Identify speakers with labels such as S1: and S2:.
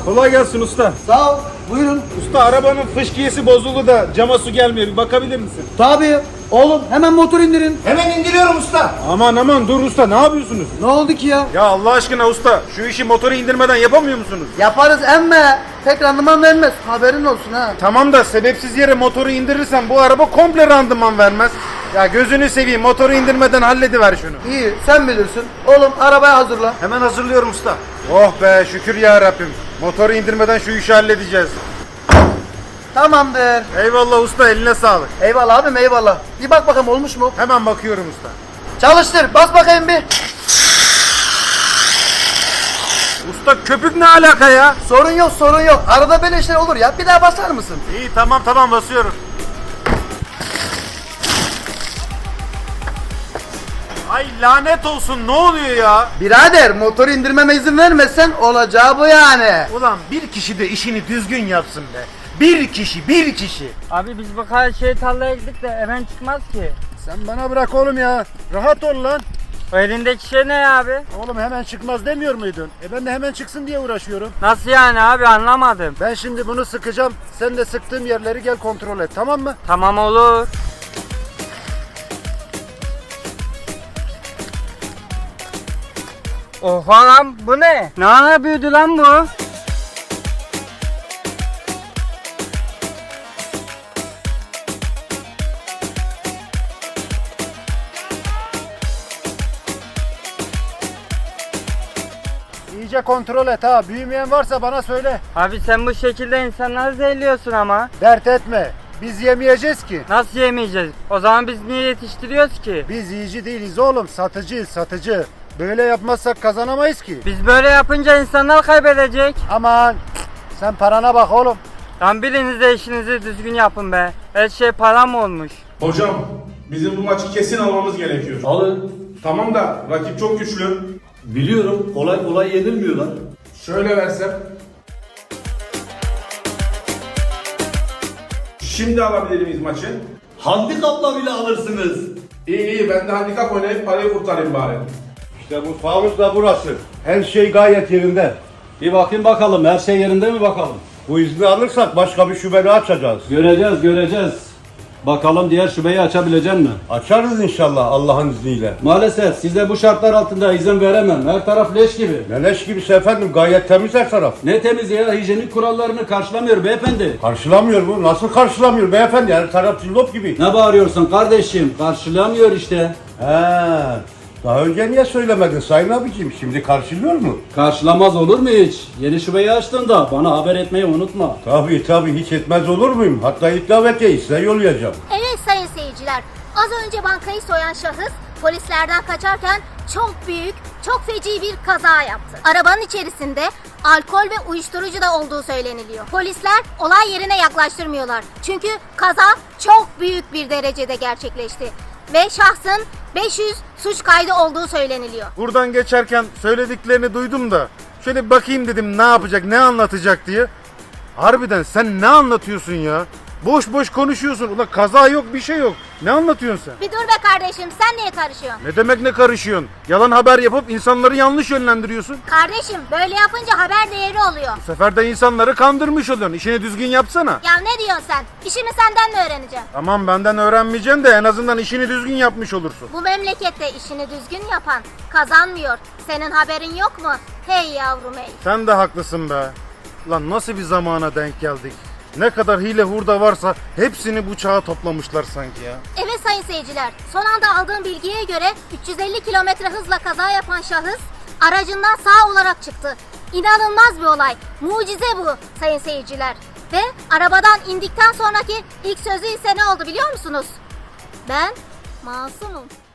S1: Kolay gelsin usta.
S2: Sağ ol. Buyurun.
S1: Usta arabanın fışkiyesi bozuldu da cama su gelmiyor. Bir bakabilir misin?
S2: Tabii. Oğlum hemen motor indirin.
S3: Hemen indiriyorum usta.
S1: Aman dur usta, ne yapıyorsunuz?
S2: Ne oldu ki ya?
S1: Ya Allah aşkına usta, şu işi motoru indirmeden yapamıyor musunuz?
S2: Yaparız emme. Pek randıman vermez. Haberin olsun ha.
S1: Tamam da sebepsiz yere motoru indirirsen bu araba komple randıman vermez. Ya gözünü seveyim, motoru indirmeden hallediver şunu.
S2: İyi sen bilirsin. Oğlum arabayı hazırla.
S3: Hemen hazırlıyorum usta.
S1: Oh be, şükür ya Rabbim. Motoru indirmeden şu işi halledeceğiz.
S2: Tamamdır.
S1: Eyvallah usta, eline sağlık.
S2: Eyvallah abim eyvallah. Bir bak bakalım olmuş mu?
S1: Hemen bakıyorum usta.
S2: Çalıştır. Bas bakayım bir.
S1: Usta köpük ne alaka ya?
S2: Sorun yok. Arada böyle işler olur ya. Bir daha basar mısın?
S1: İyi tamam basıyorum. Ay lanet olsun, ne oluyor ya?
S2: Birader motoru indirmeme izin vermezsen olacağı bu yani.
S1: Ulan bir kişi de işini düzgün yapsın be. Bir kişi.
S4: Abi biz bu kadar tarlaya gittik de hemen çıkmaz ki.
S1: Sen bana bırak oğlum ya. Rahat ol lan.
S4: O elindeki şey ne abi?
S1: Oğlum hemen çıkmaz demiyor muydun? Ben de hemen çıksın diye uğraşıyorum.
S4: Nasıl yani abi, anlamadım.
S1: Ben şimdi bunu sıkacağım. Sen de sıktığım yerleri gel kontrol et, tamam mı?
S4: Tamam olur. Oha lan, bu ne? Ne ana büyüdü lan bu?
S1: İyice kontrol et ha. Büyümeyen varsa bana söyle.
S4: Abi sen bu şekilde insanları zehirliyorsun ama.
S1: Dert etme. Biz yemeyeceğiz ki.
S4: Nasıl yemeyeceğiz? O zaman biz niye yetiştiriyoruz ki?
S1: Biz yiyici değiliz oğlum. Satıcıyız, satıcı. Böyle yapmazsak kazanamayız ki.
S4: Biz böyle yapınca insanlar kaybedecek.
S1: Aman. Sen parana bak oğlum.
S4: Lan biriniz de işinizi düzgün yapın be. Her şey para mı olmuş?
S5: Hocam, bizim bu maçı kesin almamız gerekiyor.
S6: Alın.
S5: Tamam da rakip çok güçlü.
S6: Biliyorum. Kolay kolay yenilmiyorlar.
S5: Şöyle versem. Şimdi alabilir miyiz maçı?
S6: Handikapla bile alırsınız.
S5: İyi, ben de handikap oynayıp parayı kurtarayım bari.
S7: İşte mutfağımız da burası. Her şey gayet yerinde.
S6: Bir bakayım bakalım. Her şey yerinde mi bakalım?
S7: Bu izni alırsak başka bir şubeni açacağız.
S6: Göreceğiz. Bakalım diğer şubeyi açabilecek mi?
S7: Açarız inşallah Allah'ın izniyle.
S6: Maalesef size bu şartlar altında izin veremem. Her taraf leş gibi.
S7: Neleş gibisi efendim, gayet temiz her taraf.
S6: Ne temiz ya, hijyenik kurallarını karşılamıyor beyefendi.
S7: Karşılamıyor mu? Nasıl karşılamıyor beyefendi? Her taraf cillop gibi.
S6: Ne bağırıyorsun kardeşim? Karşılamıyor işte.
S7: He. Daha önce niye söylemedin sayın abicim? Şimdi karşılıyor mu?
S6: Karşılamaz olur mu hiç? Yeni şubeyi açtığında bana haber etmeyi unutma.
S7: Tabii hiç etmez olur muyum? Hatta iddiavetiyeyi size yollayacağım.
S8: Evet sayın seyirciler, az önce bankayı soyan şahıs polislerden kaçarken çok büyük, çok feci bir kaza yaptı. Arabanın içerisinde alkol ve uyuşturucu da olduğu söyleniliyor. Polisler olay yerine yaklaştırmıyorlar. Çünkü kaza çok büyük bir derecede gerçekleşti. Ve şahsın 500 suç kaydı olduğu söyleniliyor.
S1: Buradan geçerken söylediklerini duydum da şöyle bir bakayım dedim, ne yapacak, ne anlatacak diye. Harbiden sen ne anlatıyorsun ya? Boş konuşuyorsun. Ulan kaza yok, bir şey yok. Ne anlatıyorsun sen?
S8: Bir dur be kardeşim, sen niye karışıyorsun?
S1: Ne demek ne karışıyorsun? Yalan haber yapıp insanları yanlış yönlendiriyorsun.
S8: Kardeşim, böyle yapınca haber değeri oluyor.
S1: Bu sefer de insanları kandırmış oluyorsun. İşini düzgün yapsana.
S8: Ya ne diyorsun sen? İşimi senden mi öğreneceğim?
S1: Tamam, benden öğrenmeyeceksin de en azından işini düzgün yapmış olursun.
S8: Bu memlekette işini düzgün yapan kazanmıyor. Senin haberin yok mu? Hey yavrum hey.
S1: Sen de haklısın be. Lan nasıl bir zamana denk geldik? Ne kadar hile hurda varsa hepsini bu çağa toplamışlar sanki ya.
S8: Evet sayın seyirciler, son anda aldığım bilgiye göre 350 kilometre hızla kaza yapan şahıs aracından sağ olarak çıktı. İnanılmaz bir olay. Mucize bu sayın seyirciler. Ve arabadan indikten sonraki ilk sözü ise ne oldu biliyor musunuz? Ben masumum.